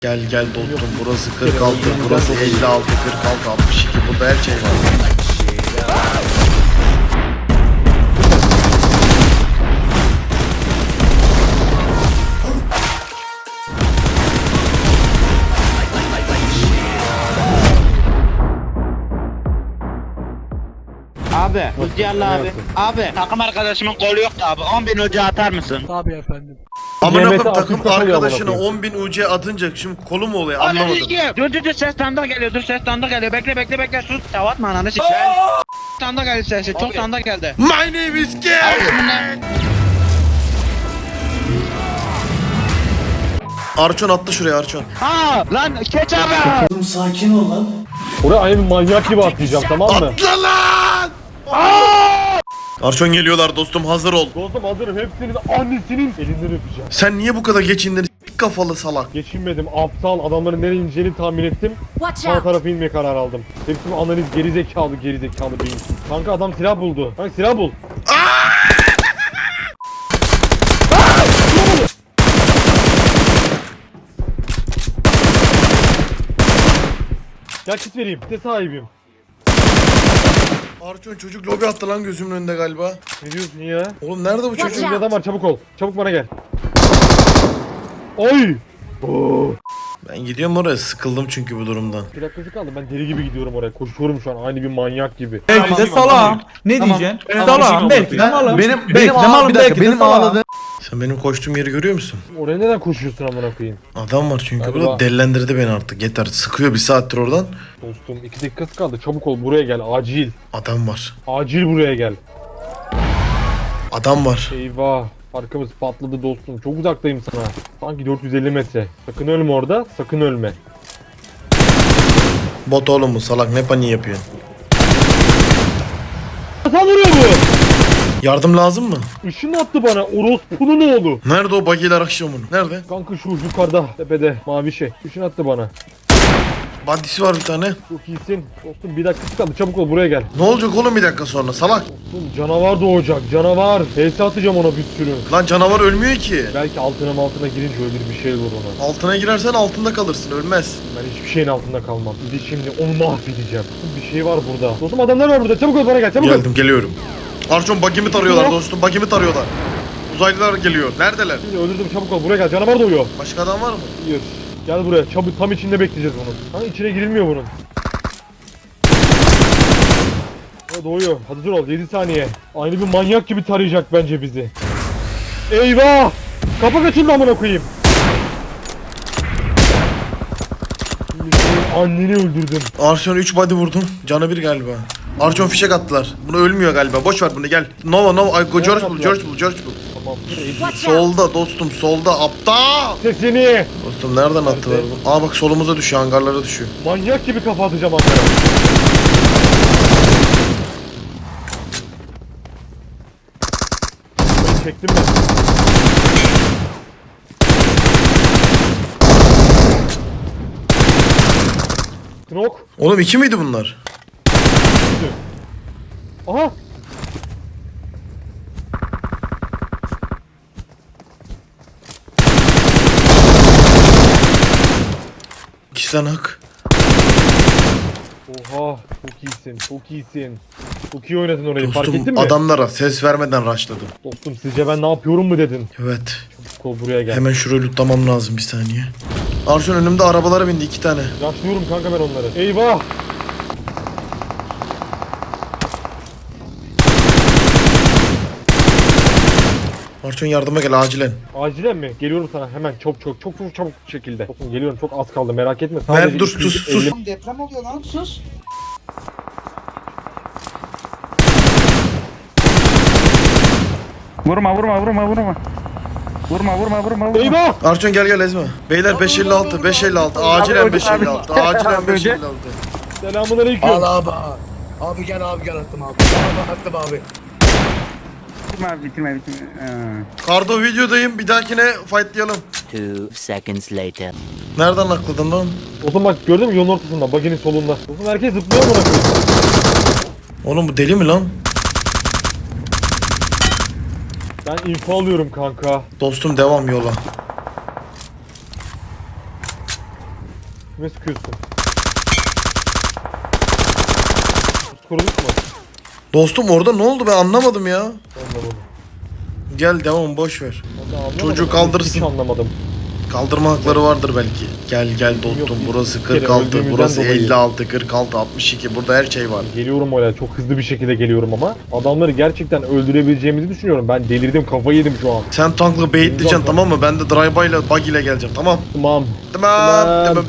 Gel gel dostum, burası 46, burası 56, 46, 62, burada her şey var. Abi, Uzyallı abi. Abi, takım arkadaşımın kolu yoktu abi. 10.000 ucu atar mısın? Tabii efendim. Amına Mehmet'e koyayım, takım akıl takıyor arkadaşına amına 10.000 UC atınca şimdi kolu mu oluyor, Anlamadım. anlamadım. Dur ses standa geliyor, ses standa geliyor. Bekle sus. Tavatma ananı sikeyim. Standa geldi sesi, çok standa geldi. My name is Gay. Arçon attı şuraya, Arçon. Ha lan keç abi. Sakin ol lan. Oraya aynı manyak gibi atlayacağım, tamam mı? Atla lan! Arçon geliyorlar dostum, hazır ol. Dostum hazırım, hepsinin annesinin elinden öpeceğim. Sen niye bu kadar geç indin s**k kafalı salak? Geçinmedim, aptal, adamların nereye ineceğini tahmin ettim. Watch Sağ out! tarafa inmeye karar aldım. Hepsinin analiz gerizekalı beyinsiz. Kanka adam silah buldu. Kanka silah bul. Gel kit vereyim, kite sahibiyim. Arçon çocuk lobi attı lan gözümün önünde galiba. Ne diyorsun ya? Oğlum nerede bu çocuk? Watch Bir out. adam var, çabuk ol. Çabuk bana gel. Oy! Oo. Ben gidiyorum oraya, sıkıldım çünkü bu durumdan. Bir dakikacık kaldı, ben deli gibi gidiyorum oraya. Koşuyorum şu an, aynı bir manyak gibi. Belki de salağım. Ne diyeceksin? Salağım belki de malım. Benim malım belki de salağım. Sen benim koştuğum yeri görüyor musun? Oraya neden koşuyorsun amına koyayım? Adam var çünkü Galiba. burada, delilendirdi beni artık, yeter. Sıkıyor bir saattir oradan. Dostum 2 dakikası kaldı, çabuk ol buraya gel, acil. Adam var. Acil buraya gel. Adam var. Eyvah. Arkamız patladı dostum. Çok uzaktayım sana. Sanki 450 metre. Sakın ölme orada. Sakın ölme. Bot oğlum bu, salak, ne paniği yapıyorsun? Nasıl vuruyor bu? Yardım lazım mı? Işın attı bana. Orospu'nun oğlu. Nerede o bagiler akşam onu? Nerede? Kanka şu yukarıda. Tepede. Mavi şey. Işın attı bana. Badisi var bir tane. Çok iyisin. Dostum bir dakika kaldı. Çabuk ol buraya gel. Ne olacak oğlum bir dakika sonra, salak? Dostum canavar doğacak. Canavar. HS atacağım ona bir sürü. Lan canavar ölmüyor ki. Belki altına girince ölür, bir şey olur ona. Altına girersen altında kalırsın, ölmez. Ben hiçbir şeyin altında kalmam. Bir de şimdi onu mahvedeceğim. Bir şey var burada. Dostum adamlar var burada. Çabuk ol bana gel. Çabuk ol. Geldim, geliyorum. Arçon bagimi tarıyorlar dostum, bagimi tarıyorlar. Uzaylılar geliyor. Neredeler? Şimdi öldürdüm, çabuk ol buraya gel. Canavar doğuyor. Başka adam var mı? Hayır. Gel buraya. Çabuk, tam içinde bekleyeceğiz bunu. Ha, içine girilmiyor bunun. O doğuyor. Hadi dur ol. 7 saniye. Aynı bir manyak gibi tarayacak bence bizi. Eyvah! Kapı kaçıldı amına koyayım. Şimdi senin anneni öldürdüm. Arçon 3 body vurdum. Canı bir galiba. Arçon fişek attılar. Bunu ölmüyor galiba. Boş ver bunu, gel. Nova. Ay, George bul. Tamam. Watch out! Solda dostum, solda. Aptal. Sesini. Dostum nereden attılar bunu? Aa bak, solumuza düşüyor, hangarlara düşüyor. Manyak gibi kafa atacağım Ankara. Ben çektim ben. Knok. Oğlum 2 miydi bunlar? Aha. İkisi tane hak. Oha. Çok iyisin. Çok iyisin. Çok iyi oynadın orayı. Fark ettin Dostum mi? adamlara ses vermeden rushladım. Dostum sizce ben ne yapıyorum mu dedin? Evet. Kol buraya gel. Hemen şurayı lootlamam lazım, bir saniye. Arçon önümde arabalara bindi 2 tane. Yaşlıyorum kanka ben onları. Eyvah. Arçon yardıma gel acilen. Acilen mi? Geliyorum sana hemen. Çok çabuk şekilde. Dostum geliyorum, çok az kaldı, merak etme. Ben dur, 250 sus. Deprem oluyor lan, sus. Vurma. Vurma. Eyvah! Arçon gel ezme. Beyler 556 acilen 556 acilen 556. Selamünaleyküm. Al abi. Abi gel attım abi. Attım abi. Bitirme. Kardo videodayım, bir dahakine fightlayalım. 2 seconds later. Nereden akladın lan? Dostum bak, gördün mü, yolun ortasında, baginin solunda. Dostum herkes zıplıyor bana koyayım. Oğlum bu deli mi lan? Ben info alıyorum kanka. Dostum devam yola. Kime sıkıyorsun? Koruduk mu? Dostum orada ne oldu ben anlamadım ya. Anlamadım. Gel devam boş ver. Ben de anlamadım. Çocuğu Hiç kaldırırsın. anlamadım. Kaldırma hakları vardır belki. Gel dostum Yok, burası bir kere 46, öldüğümüzden burası dolayı. 56, 46, 62 burada her şey var. Geliyorum öyle çok hızlı bir şekilde geliyorum ama adamları gerçekten öldürebileceğimizi düşünüyorum. Ben delirdim, kafayı yedim şu an. Sen tankla baitleyeceksin tamam mı? Ben de drive ile buggy ile geleceğim tamam. Tamam. Tamam.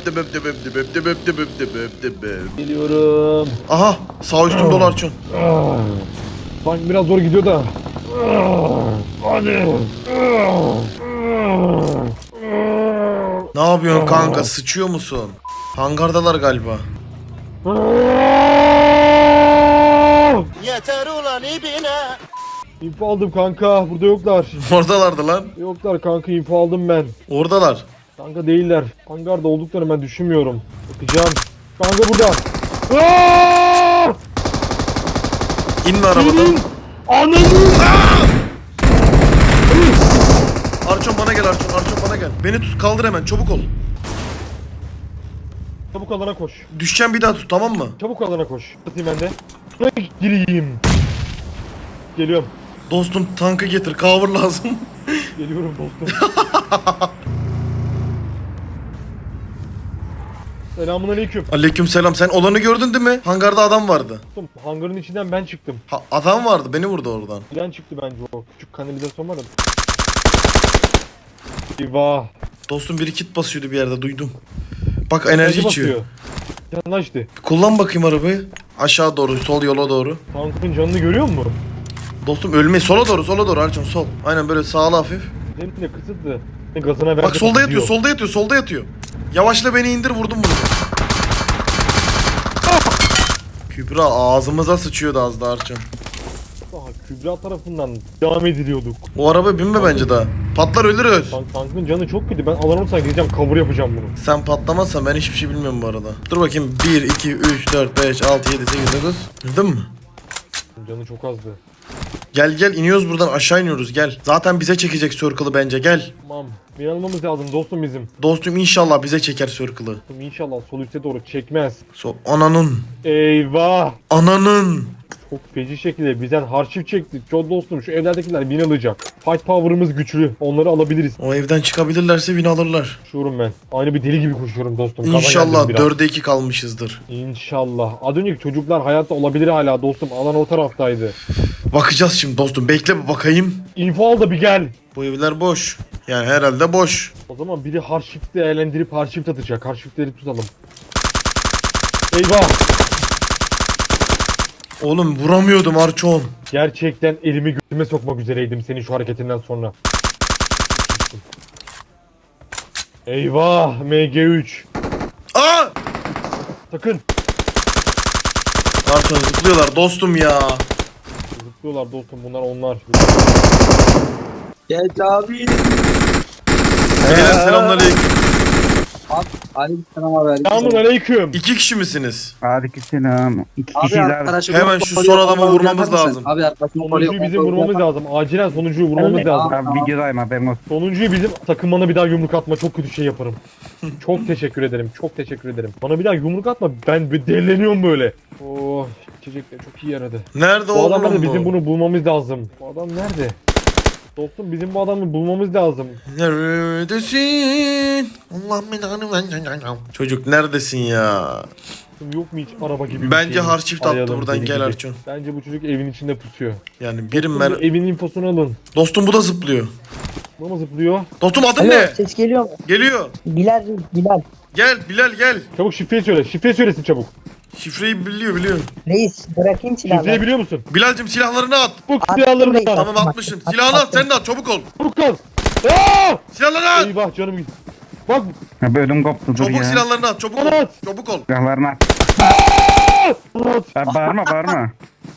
Geliyorum. Aha sağ üstüm dolu Arçon. Ah, sanki biraz zor gidiyor da. Hadi. Ne yapıyorsun kanka sıçıyor musun? Hangardalar galiba. Yeter ulan ibine. İnfo aldım kanka. Burada yoklar. Oradalardı lan. Yoklar kanka, info aldım ben. Oradalar. Kanka değiller. Hangarda olduklarını ben düşünmüyorum. Bakacağım. Kanka burada. Aaaa! İnme arabadan. Ananı! Arçon bana gel Arçon. Arçon bana gel. Beni tut kaldır hemen çabuk ol. Çabuk alana koş. Düşeceğim bir daha tut tamam mı? Çabuk alana koş. Atayım ben de. Buraya gireyim. Geliyorum. Dostum tankı getir cover lazım. Geliyorum dostum. Selamun aleyküm. Aleyküm selam sen olanı gördün değil mi? Hangarda adam vardı. Dostum, hangarın içinden ben çıktım. Adam vardı beni vurdu oradan. Bilen çıktı bence o. Küçük kanalizasyon var ya. Eyvah. Dostum biri kit basıyordu bir yerde duydum. Bak enerji içiyor. Yanlaştı. Kullan bakayım arabayı. Aşağı doğru sol yola doğru. Tankın canını görüyor musun? Dostum ölme sola doğru Arçon sol. Aynen böyle sağla hafif. Benim de kısıtlı. Gazına verdi. Bak solda yatıyor gidiyor. solda yatıyor. Yavaşla beni indir vurdum bunu. Kübra ağzımıza sıçıyordu az da Arçon. Daha Kübra tarafından devam ediliyorduk. O araba binme bence daha. Patlar ölürüz. Tankın canı çok kötü. Ben alan olsam gireceğim, cover yapacağım bunu. Sen patlamazsan ben hiçbir şey bilmiyorum bu arada. Dur bakayım 1, 2, 3, 4, 5, 6, 7, 8, 9. Bildin mi? Canı çok azdı. Gel iniyoruz buradan aşağı iniyoruz gel. Zaten bize çekecek circle'ı bence gel. Tamam. Bir almamız lazım dostum bizim. Dostum inşallah bize çeker circle'ı. Dostum İnşallah sol üste doğru çekmez. Ananın. Eyvah. Ananın. Çok feci şekilde bizden harçif çekti. Çok dostum şu evlerdekiler win alacak. Fight power'ımız güçlü. Onları alabiliriz. O evden çıkabilirlerse win alırlar. Koşuyorum ben. Aynı bir deli gibi koşuyorum dostum. Gaza İnşallah geldim biraz. 4'e 2 kalmışızdır. İnşallah. Az önceki çocuklar hayatta olabilir hala dostum. Alan o taraftaydı. Bakacağız şimdi dostum bekle bir bakayım. İnfo al da bir gel. Bu evler boş. Yani herhalde boş. O zaman biri harçifte değerlendirip harçif atacak. Harçifleri tutalım. Eyvah. Oğlum vuramıyordum Arçon. Gerçekten elimi götüme sokmak üzereydim senin şu hareketinden sonra. Eyvah. MG3. Aa! Sakın. Arçon zıplıyorlar dostum ya. Zıplıyorlar dostum, bunlar onlar. Geç abi. Beyler selamünaleyküm. Aleykümselam abi. Selamun aleyküm. 2 kişi misiniz? Aleykümselam. İki Abi kişiler. arkadaşım. Hemen şu son adamı vurmamız lazım. Abi arkadaşım. Sonuncuyu bizim vurmamız lazım. Acilen sonuncuyu vurmamız lazım. Ben videodayım haberin olsun. Sonuncuyu bizim sakın bana bir daha yumruk atma, çok kötü şey yaparım. Çok teşekkür ederim, çok teşekkür ederim. Bana bir daha yumruk atma, ben bir deleniyorum böyle. Oh, içecekler çok iyi yaradı. Nerede Bu adam nerede? oğlum Bizim bu? bunu bulmamız lazım. Bu adam nerede? Dostum bizim bu adamı bulmamız lazım. Neredesin? Allah belanı. Çocuk neredesin ya? Yok mu hiç araba gibi bir Bence şeyimiz? harçift attı Arayalım, buradan deli gel gibi. Arçon. Bence bu çocuk evin içinde pusuyor. Yani birim Dostum, ben. evin infosunu alın. Dostum bu da zıplıyor. Bu mu zıplıyor? Dostum adın Alo, ne? ses geliyor mu? Geliyor. Bilal, Bilal. Gel Bilal gel. Çabuk şifreyi söyle, şifreyi söylesin çabuk. Şifreyi biliyor. Reis, bırakayım Şifreyi silahları. biliyor musun? Bilal'cim silahlarını at. Çabuk Attım silahlarını reis. al. Tamam atmışsın. Silahını at sen de at çabuk ol. Çabuk kal. Aa! Silahlarını at. Eyvah canım gitti. Bak Ya bölüm koptu dur Çabuk ya. silahlarını at çabuk ol. At. Çabuk ol. Silahlarını at. Ya bağırma bağırma.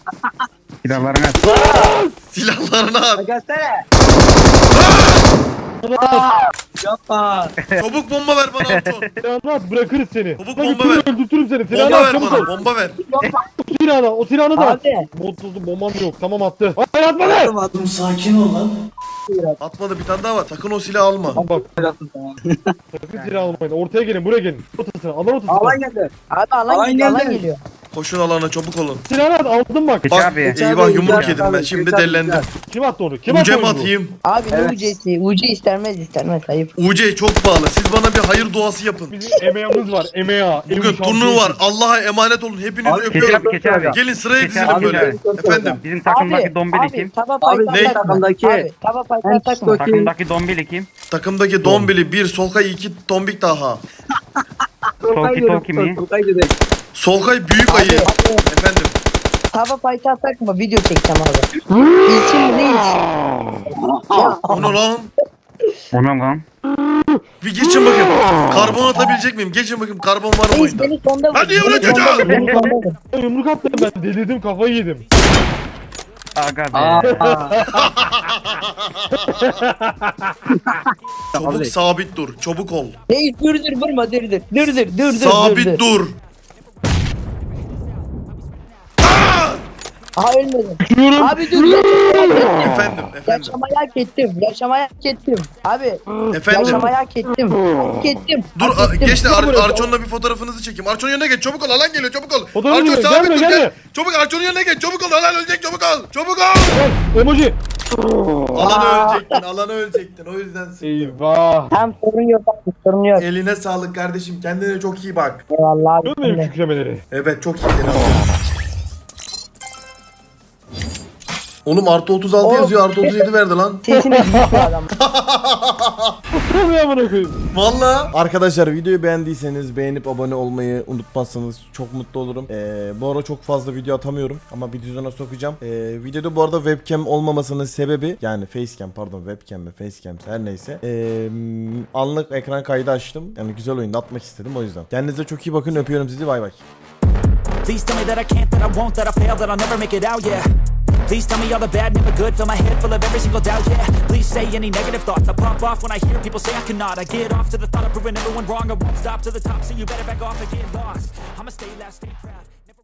Silahlarını at. Silahlarını at. Göster. Yapma. Çabuk bomba ver bana Arçon. Silahını at bırakırız seni. Çabuk Lan bomba götürürüm, ver. öldürtürüm seni. Silahını Bomba at ver çabuk bana ol. bomba ver. O silahını da at. Abi. Modsuzum bombam yok. Tamam attı. Hayır atma be. Atmadı bir tane daha var. Sakın o silahı alma. Tamam bak. Sakın silah almayın. Ortaya gelin buraya gelin. Ortasına. Alan ortasına. Alan geldi. Abi alan Alan geliyor, alan geldi. geliyor. Koşun alana çabuk olun. Silahını at aldım bak. Geç Bak abi. eyvah yumruk Geçer yedim ben. abi, Şimdi geçer, dellendim. geçer. Kim attı onu? Kim attı UC mi onu? atayım? Abi ne Evet. UC'si? UC istenmez ayıp. UC çok pahalı. Siz bana bir hayır duası yapın. Bizim EMEA'mız var. EMEA. Bugün turnuva var. Allah'a emanet olun. Hepinizi Abi, Geç öpüyorum. abi geç abi. Gelin sıraya Geç dizilim abi, böyle. abi. Efendim. Bizim takımdaki dombili abi, kim? taba Abi, paytan ne? takma. Takımdaki- Abi taba paytan En takma. çıkıyor. Takımdaki dombili kim? Takımdaki Dombili 1, Solkay 2, Tombik daha. Toki mi? Solkay büyük ayı. Efendim. Taba paytan takma. Video çekeceğim abi. İlçin mi değil? Ya Onu lan. Ona lan. Bir geçin bakayım. Karbon atabilecek miyim? Geçin bakayım karbon var mı reis oyunda? beni sonda vur. Lan niye Beni vuruyorsun sonda çocuğa? vur, beni sonda vur. Yumruk attım ben. Delirdim kafayı yedim. Aga be. Çabuk sabit dur. Çabuk ol. Reis dur vurma dur. Sabit dur. Aha ölmedim. Diyorum. Abi dur. Efendim. Yaşamayı hak ettim. Abi Efendim. yaşamayı hak ettim. Hak ettim. Dur hak ettim. geç de Dur buraya. Arçon'la bir fotoğrafınızı çekeyim. Arçon'un yanına geç. Çabuk ol. Alan geliyor. Çabuk ol. Fotoğrafı Arçon geliyor, sabit gelme, dur. gelme. Gel. Çabuk Arçon'un yanına geç. Çabuk ol. Alan ölecek. Çabuk ol. Çabuk ol. Gel. Emoji. Alanı ölecektin. Alanı ölecektin. O yüzden sıktım. Eyvah. Tamam sorun yok abi sorun yok. Eline sağlık kardeşim. Kendine çok iyi bak. Eyvallah abi. Görüyor musun benim kükremeleri? Evet çok iyi. Oğlum artı 36 yazıyor. Artı 37 verdi lan. Sesini büyük bir adam. Kükremeyi amına koyayım. Valla. Arkadaşlar videoyu beğendiyseniz beğenip abone olmayı unutmazsanız çok mutlu olurum. Bu ara çok fazla video atamıyorum ama bir düzene sokacağım. Videoda bu arada webcam olmamasının sebebi yani facecam pardon webcam mi facecam her neyse. Anlık ekran kaydı açtım. Yani güzel oyunda atmak istedim o yüzden. Kendinize çok iyi bakın öpüyorum sizi bay bay. Please tell me that I can't, that I won't, that I fail, that I'll never make it out, yeah. Please tell me all the bad, never good, fill my head full of every single doubt, yeah. Please say any negative thoughts, I pop off when I hear people say I cannot. I get off to the thought of proving everyone wrong, I won't stop to the top, so you better back off and get lost. I'ma stay loud, stay proud.